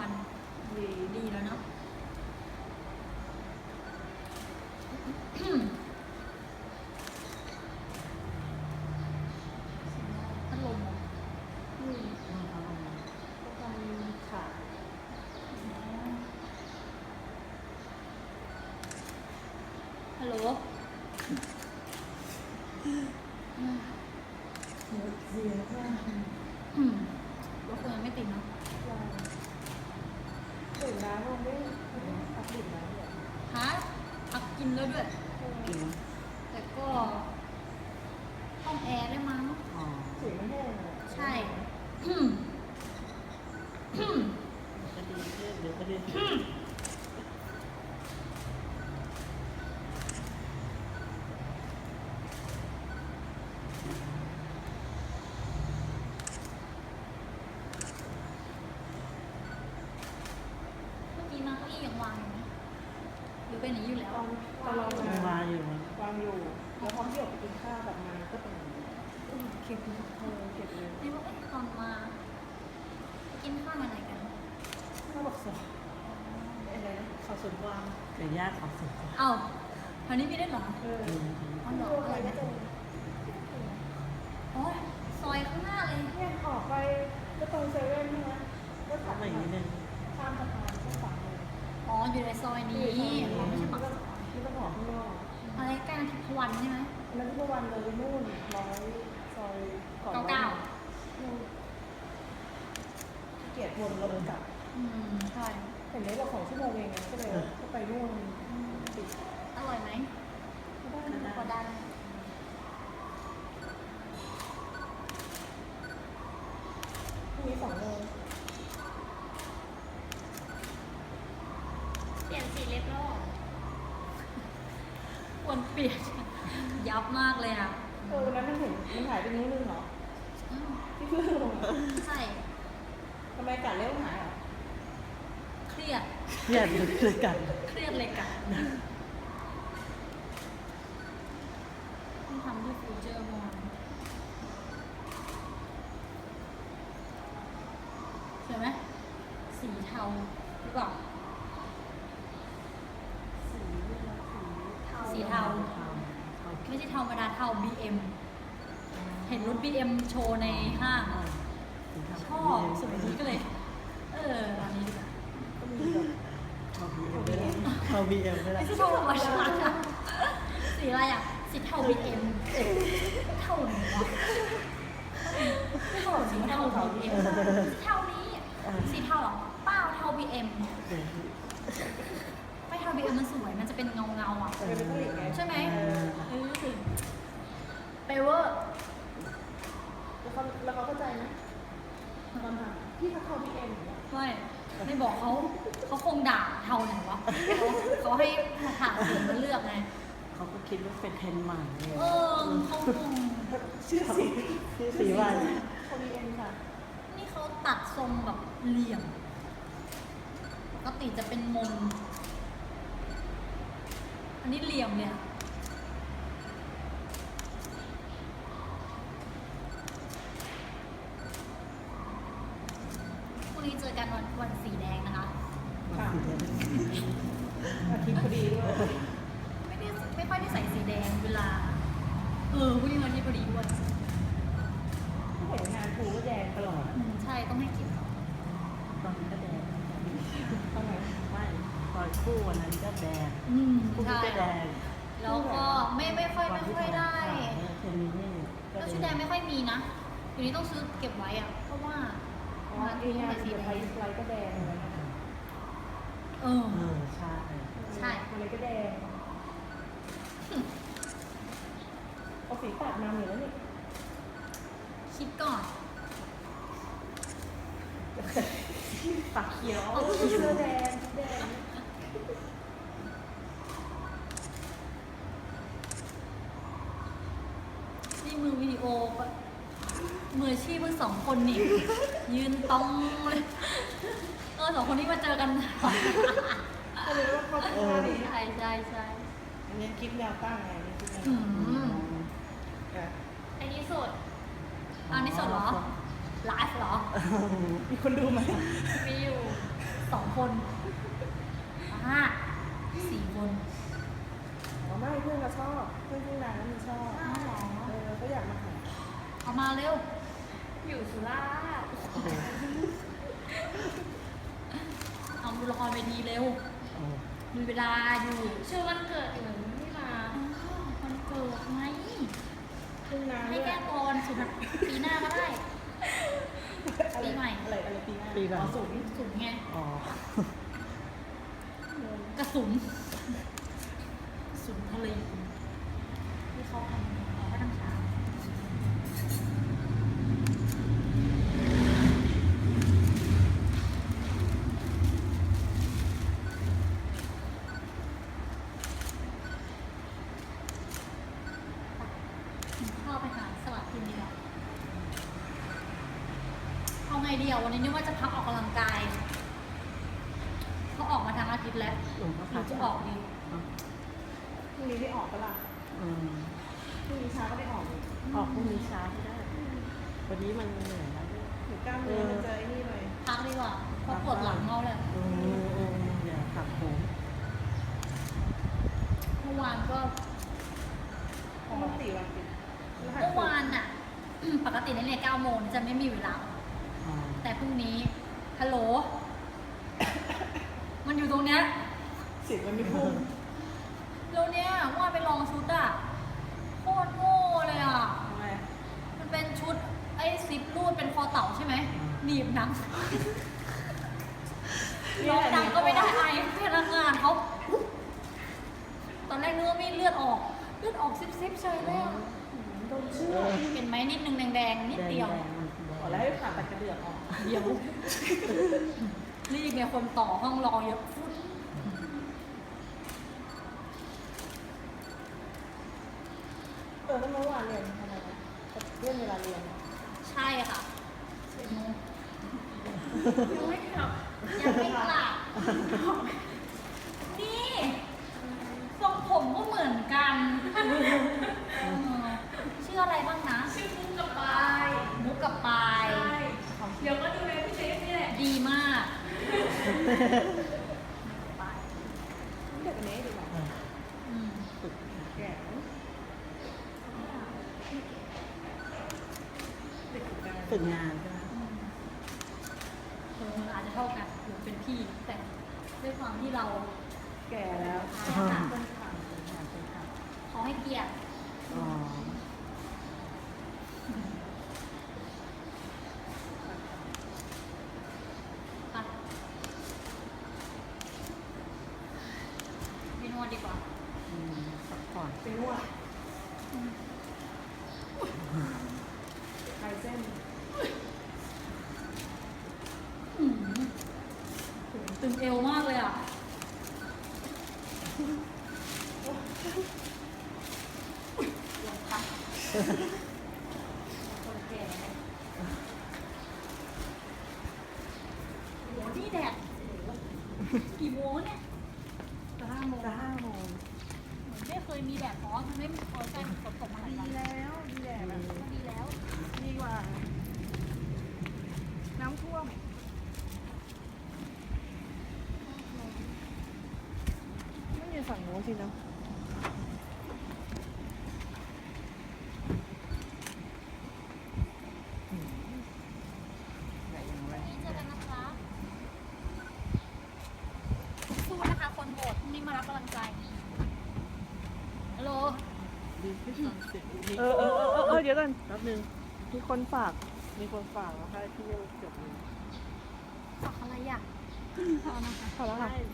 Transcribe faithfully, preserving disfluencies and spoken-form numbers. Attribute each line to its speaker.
Speaker 1: วันดีดีแล้วเนาะพัดลมเหรอ
Speaker 2: อืมก็ทำขาด
Speaker 1: ฮัลโหล
Speaker 2: เสียเสียแค่
Speaker 1: อืมรถคุณยังไม่ติดเนาะ
Speaker 2: เราตื่นแล้วเราไม่ไม่ได้พักดื่มแล้วเนี่ย
Speaker 1: ฮะพักกินแล้วด้วย
Speaker 3: กิน
Speaker 1: แต่ก็ห้องแอร์ได้มั้ง
Speaker 3: อ๋อ
Speaker 2: เสียไม่แห้งเลย
Speaker 1: ใช่อืมอืม
Speaker 3: ก็ดีขึ้นเดี๋ยวก็ดี
Speaker 1: เมื่อกี้มาเก้าอี้ยังวางอยู่ไหมหรือเป็นอย่างนี้อยู่แล้ว
Speaker 2: ตอนตอนเรา
Speaker 3: มัน
Speaker 2: มาว
Speaker 3: างอยู่มัน
Speaker 2: วางอยู่แล้วพร้อมที่ออกไปกินข้าวแบบมาก็เป็นอย่างนี้
Speaker 1: อืมเก็บอยู่
Speaker 2: เออเก็บเลย
Speaker 1: นี่ว่าเอ๊ะตอนมากินข้าวมาไหนกัน
Speaker 2: ข้าวบอกสดอะไรนะข้าวสวนกวาง
Speaker 3: เกิดยากของสุด
Speaker 1: เอ้าแถวนี้มีได้วยเหรอ
Speaker 2: เออ
Speaker 3: อืม
Speaker 1: อ๋อเหรออะไรนะโอ้ยซอยข้างหน้าเลย
Speaker 2: เนี่ยออกไปก็ตรงเซเว่นใช่ไหมก็ถัด
Speaker 3: ทำอีกนิดนึง
Speaker 2: ข้ามสะพานก็ฝั่งเลย
Speaker 1: อ๋ออยู่ในซอยนี้อ๋อไม่ใช่ปากซอย
Speaker 2: นี่ก็ออกข้างนอก
Speaker 1: อะไรใกล้นาทิพย์วันใช่ไหม
Speaker 2: อันนั้นที่เมื่อวันเลยนู่นร้อยซอยก่อน
Speaker 1: เก้าเก้า
Speaker 2: นู่นเกียรติวนเราเดินกลับ
Speaker 1: อืมใช่
Speaker 2: เห็นไหมเราสองชั่วโมงเองนะก็เลยก็ไปนู่นติด
Speaker 1: อร่อยไหม
Speaker 2: ไม่ได้
Speaker 1: พอได้
Speaker 2: พรุ่งนี้สองโมง
Speaker 1: เปลี่ยนสีเล็บแล้วควรเปลี่ยน ยับมากเลยอ่ะ
Speaker 2: เออวันนั้นมันเห็นมันหายไปนิ้วนึงเหรอ
Speaker 1: อืม
Speaker 2: ที่เพื่อนลงอะ
Speaker 1: ใช่
Speaker 2: ทำไมกัดเล็บหายอ่ะ
Speaker 1: เครียด
Speaker 3: เครียดเลยกัน
Speaker 1: เครียดเลยกันต้องทำที่ฟิวเจอร์มอนเห็นไหมสีเทาหรือเปล่า
Speaker 2: สีนี่นะสี
Speaker 1: สีเทา ไม่ใช่เทาธรรมดาเทา บี เอ็ม เห็นรถ บี เอ็ม โชว์ในห้างอะชอบสวยดีก็เลย เออร้านนี้ดีกว่า
Speaker 2: ก็มีแบบ
Speaker 3: เอาบีเอ็มไม่ได้เอาบีเอ็มไม่ได้
Speaker 1: ไม่ใช่เทาธรรมชาติอะสีอะไรอ่ะ สีเทา บี เอ็ม เทาไหนวะไม่เทาสีเทา บี เอ็ม สีเทานี้สีเทาเหรอเปล่าเทา บี เอ็ม
Speaker 3: เดี๋ยว
Speaker 1: ไม่เทา บี เอ็ม มันสวย มันจะเป็นเงาเงาๆอ่ะ
Speaker 2: เป็นเป็นผลิตไง
Speaker 1: ใช่ไหม
Speaker 3: เออ
Speaker 1: เออสิเปเวอร์
Speaker 2: แล้วเขาแล้วเขาเข้าใจไหมตอนทำพี่เขาเข้าพีเอ็มอย่างเงี้ย
Speaker 1: ไม่ไม่บอกเขาเขาคงด่าเทาไหนวะเขาเขาให้ถามสีมาเลือกไง
Speaker 3: เขาก็คิดว่าเป็นเทรนด์ใหม่เลย
Speaker 1: เออเขาคง
Speaker 2: ชื่อสี
Speaker 3: ชื่อสีว่า
Speaker 2: เขาพีเอ็มค่ะ
Speaker 1: นี่เขาตัดทรงแบบเหลี่ยมปกติจะเป็นมน อันนี้เหลี่ยมเลยอะพรุ่งนี้เจอกันวันวันสีแดงนะคะ
Speaker 2: ค่ะอาทิตย์พอดีด้วย
Speaker 1: ไม่ได้ไม่ค่อยได้ใส่สีแดงเวลา เออพรุ่งนี้วันที่พอดีด้วย
Speaker 2: เห็นงานครูก็แดงตลอด
Speaker 1: อืมใช่ต้องให้เกิน
Speaker 3: ตอนนี้ก็แดง
Speaker 2: ตอนไหน
Speaker 3: ไม่ตอนคู่วันนั้นก็แดง
Speaker 1: อืม
Speaker 3: คู่
Speaker 1: ใช่
Speaker 3: ก็แดง
Speaker 1: แล้วก็ไม่ไม่ค่อยไม่ค่อยได้
Speaker 3: เทรนนี้นี่ก็
Speaker 1: แล้วชุดแดงไม่ค่อยมีนะเดี๋ยวนี้ต้องซื้อเก็บไว้อะเพราะว่า
Speaker 2: อ๋อไอ้งานเดี๋ยวไทยไลท์ก็แดงเลยนะคะ
Speaker 1: เออ
Speaker 3: เออใช่
Speaker 1: ใช่
Speaker 2: อะไรก็แดงเอาสีปัดมาเหมือนแล้วนี่
Speaker 1: คิดก่อน
Speaker 3: ปากเขียว
Speaker 2: เอาเสื้อแดงแดง
Speaker 1: นี่มือวิดีโอปะมืออาชีพเพิ่งสองคนนี่ ยืนตรงเลยเออสองคนนี้มาเจอกัน
Speaker 2: ก็เลยว่าเขาเป็นท่าดี
Speaker 1: ใช่ใช่ใช่
Speaker 2: อันนี้คลิปแนวตั้งไงอันนี้คลิปแนว
Speaker 1: อื
Speaker 2: ตั้ง
Speaker 1: ม
Speaker 2: อ่ะ
Speaker 1: อันนี้สดอันนี้สดเหรอไลฟ์เหรอ
Speaker 2: มีคนดูไหม
Speaker 1: มีอยู่สองคนอ่าสี่คน
Speaker 2: อ๋อไม่เพื่อนก็ชอบเพื่อนที่ร้านนั้นมันชอบ
Speaker 1: อ้าวเหรอ
Speaker 2: เออเขาอยากมาหา
Speaker 1: เอามาเร็ว
Speaker 4: อยู่สุราษฎร์
Speaker 1: เอาดูละครเวทีเร็ว
Speaker 3: โอ้
Speaker 1: มีเวลาอยู่
Speaker 4: ชื่อวันเกิดอยู่ไม่มา
Speaker 1: อ้าววันเกิดไหม
Speaker 2: เพิ่งนาน
Speaker 1: ให้
Speaker 2: ด้วย
Speaker 1: แก้ก่อนสุดปีหน้าก็ได้ ปีใหม่
Speaker 2: อะไรอะไรปีหน้า
Speaker 3: ปีหลั
Speaker 2: อ๋
Speaker 3: ง
Speaker 2: อสูง
Speaker 1: สุนไง
Speaker 3: อ๋อก
Speaker 1: ระสุนกระสุนทะเลที่เขาทำเขาก็ทำช้าเข้าไปหาสลัดกินดีกว่าเอาไงดีอ่ะวันนี้นึกว่าจะพักออกกำลังกายเขาออกมาทั้งอาทิตย์แล้ว
Speaker 3: หลวงพ่อ
Speaker 1: หรือจะออกดี
Speaker 2: พรุ่งนี้ได้ออกปะล่ะ
Speaker 3: อืม
Speaker 2: พรุ่งนี้เช้าก็ได้ออกเลย
Speaker 3: ออกพรุ่งนี้เช้าก็ได้ วันนี้มันเหนื่อยแล้ว
Speaker 2: หรือกล้ามเนื้อมันเจอไอ้นี่เลย
Speaker 1: พักดีกว่าเพราะปวดหลังเขาเลย
Speaker 3: อืมอืมอย่าขับโหม
Speaker 1: เมื่อวานก็
Speaker 2: ปกติวันติดรหัส
Speaker 1: เมื่อวานอ่ะ ปกติในเนี่ยเก้าโมงจะไม่มีเวลา
Speaker 3: อ๋อ
Speaker 1: แต่พรุ่งนี้ฮัลโหล มันอยู่ตรงเนี้ย
Speaker 2: เสิบมันไม่พุ่ง
Speaker 1: แล้วเนี้ยว่าไปลองชุดอ่ะโคตรโง่เลยอ่ะ
Speaker 2: ทำไม
Speaker 1: มันเป็นชุดไอ้ซิปรูดเป็นคอเต่าใช่ไหมหนีบหนังร้องดังก็ไม่ได้ไอพนักงานเขาตอนแรกนึกว่ามีเลือดออกเลือดออกซิบซิบๆเฉยเลยอะ
Speaker 2: โดนเชื่อ
Speaker 1: เห็นไหมนิดนึงแดงๆนิดเดียว
Speaker 3: แงๆมันแดง
Speaker 2: ขอแล้วให้ผ่าตัดกระเดือกออก
Speaker 1: เดียวรีบเนี่ยคนต่อห้องรอเยอะฟุด
Speaker 2: เออแล้วเมื่อวานเรียนทำไมนะเรื่องเวลาเรียน
Speaker 1: ใช่ค่ะสิบโมง
Speaker 4: ยังไม่กลับ
Speaker 1: ยังไม่กลับนี่ทรงผมก็เหมือนกันเออชื่ออะไรบ้างนะ
Speaker 4: ชื่อมุกกับปาย
Speaker 1: มุกกับปาย
Speaker 4: ใช่เดี๋ยวก็ดูในพี่เซฟนี่แหละ
Speaker 1: ดีมากปาย
Speaker 2: เด็กอันนี้ดีกว่า
Speaker 1: อืม
Speaker 3: ฝึก
Speaker 2: แก่เด็กฝึกงาน
Speaker 3: ฝึกงานใช่ไหม
Speaker 1: อืมเอออาจจะเท่ากันหรือเป็นพี่ แต่ด้วยความที่เรา
Speaker 2: แก่แล้ว
Speaker 1: อาหาร
Speaker 2: ต้นขา
Speaker 3: ฝึกงานเป็นครับ
Speaker 1: เขาให้เกียรติ
Speaker 3: อ๋อ
Speaker 1: ค่ะไม่นวดดีกว่า
Speaker 3: อืมพักผ่อน
Speaker 2: ไปนวดคลายเส้น
Speaker 1: อืมโหตึงเอวมากเลยอ่ะ ลงค่ะคนแก่โหนี่แดดกี่โมงเนี่ยจะห้าโมง
Speaker 3: จะห้าโมง
Speaker 1: เหมือนไม่เคยมีแดดร้อนมันไม่เคยใกล้ฝนตกมาหลาย
Speaker 2: ดี
Speaker 1: วัน
Speaker 2: แล้วดีแหละแบบ
Speaker 1: ก็ดีแล้ว
Speaker 2: ดีกว่า น้ำท่วมไม่มีฝั่งโน้นสินะ
Speaker 3: ไหนอย่างไร
Speaker 1: วันนี้เจอกันนะคะสู้นะคะคนโหดพรุ่งนี้มารับกำลังใจฮัลโหล
Speaker 3: ดีที่สุดสิบวิ
Speaker 2: เออเออเออเออเออเดี๋ยวกัน
Speaker 3: แป๊บนึง
Speaker 2: มีคนฝาก มีคนฝากแล้วให้พี่เจบเลย
Speaker 1: ฝากอะไรอ่ะ
Speaker 2: พอแล้วค่ะ